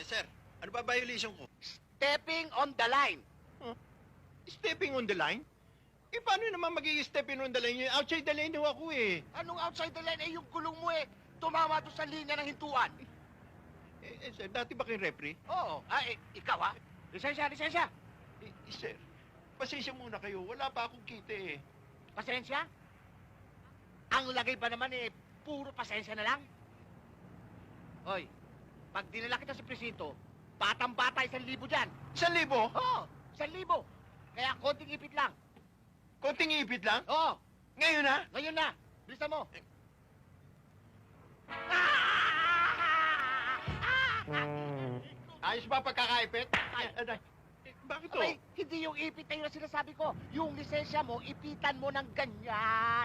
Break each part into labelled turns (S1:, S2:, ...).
S1: sir, ano ba violation ko?
S2: Stepping on the line.
S1: Stepping on the line? Eh, paano naman magiging stepping on the line? Outside the lane ho ako eh.
S2: Anong outside the line? Eh, yung gulong mo eh. Tumama doon sa linya ng hintuan.
S1: Sir, dati ba kayong referee?
S2: Oo. Ah, eh, ikaw ha? Lisensya, lisensya.
S1: Sir, pasensya muna kayo. Wala pa akong kita eh.
S2: Pasensya? Ang lagay pa naman eh, puro pasensya na lang. Hoy, pag dinala kita sa presinto, batang-bata 1,000 dyan.
S1: 1,000?
S2: Oo, 1,000. Kaya konting ipit lang.
S1: Konting ipit lang?
S2: Oo,
S1: Ngayon na?
S2: ngayon na. Bilisan mo.
S1: Ayos ba pagkakaipit? Bakit to?
S2: Abay, hindi yung ipit na yun ang sinasabi ko. Yung lisensya mo, ipitan mo ng ganyan.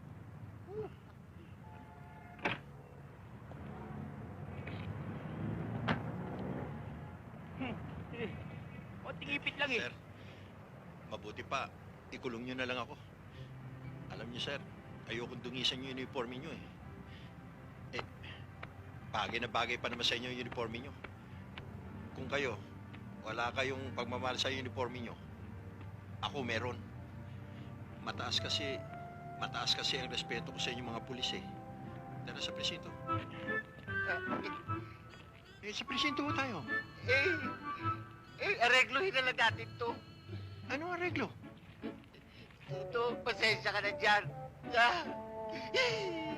S2: Konting ipit lang eh.
S1: Sir, mabuti pa. Ikulong nyo na lang ako. Alam nyo, sir, ayokong dungisan yung uniforme nyo eh. Bagay na bagay pa naman sa inyo yung uniforme nyo. Kung kayo, wala kayong pagmamahal sa uniforme nyo, ako meron. Mataas kasi ang respeto ko sa inyong mga pulis eh. Tara sa presinto. Sa presinto ho tayo.
S2: Aregluhin na lang natin to.
S1: Anong arreglo?
S2: Ito, pasensya ka na dyan.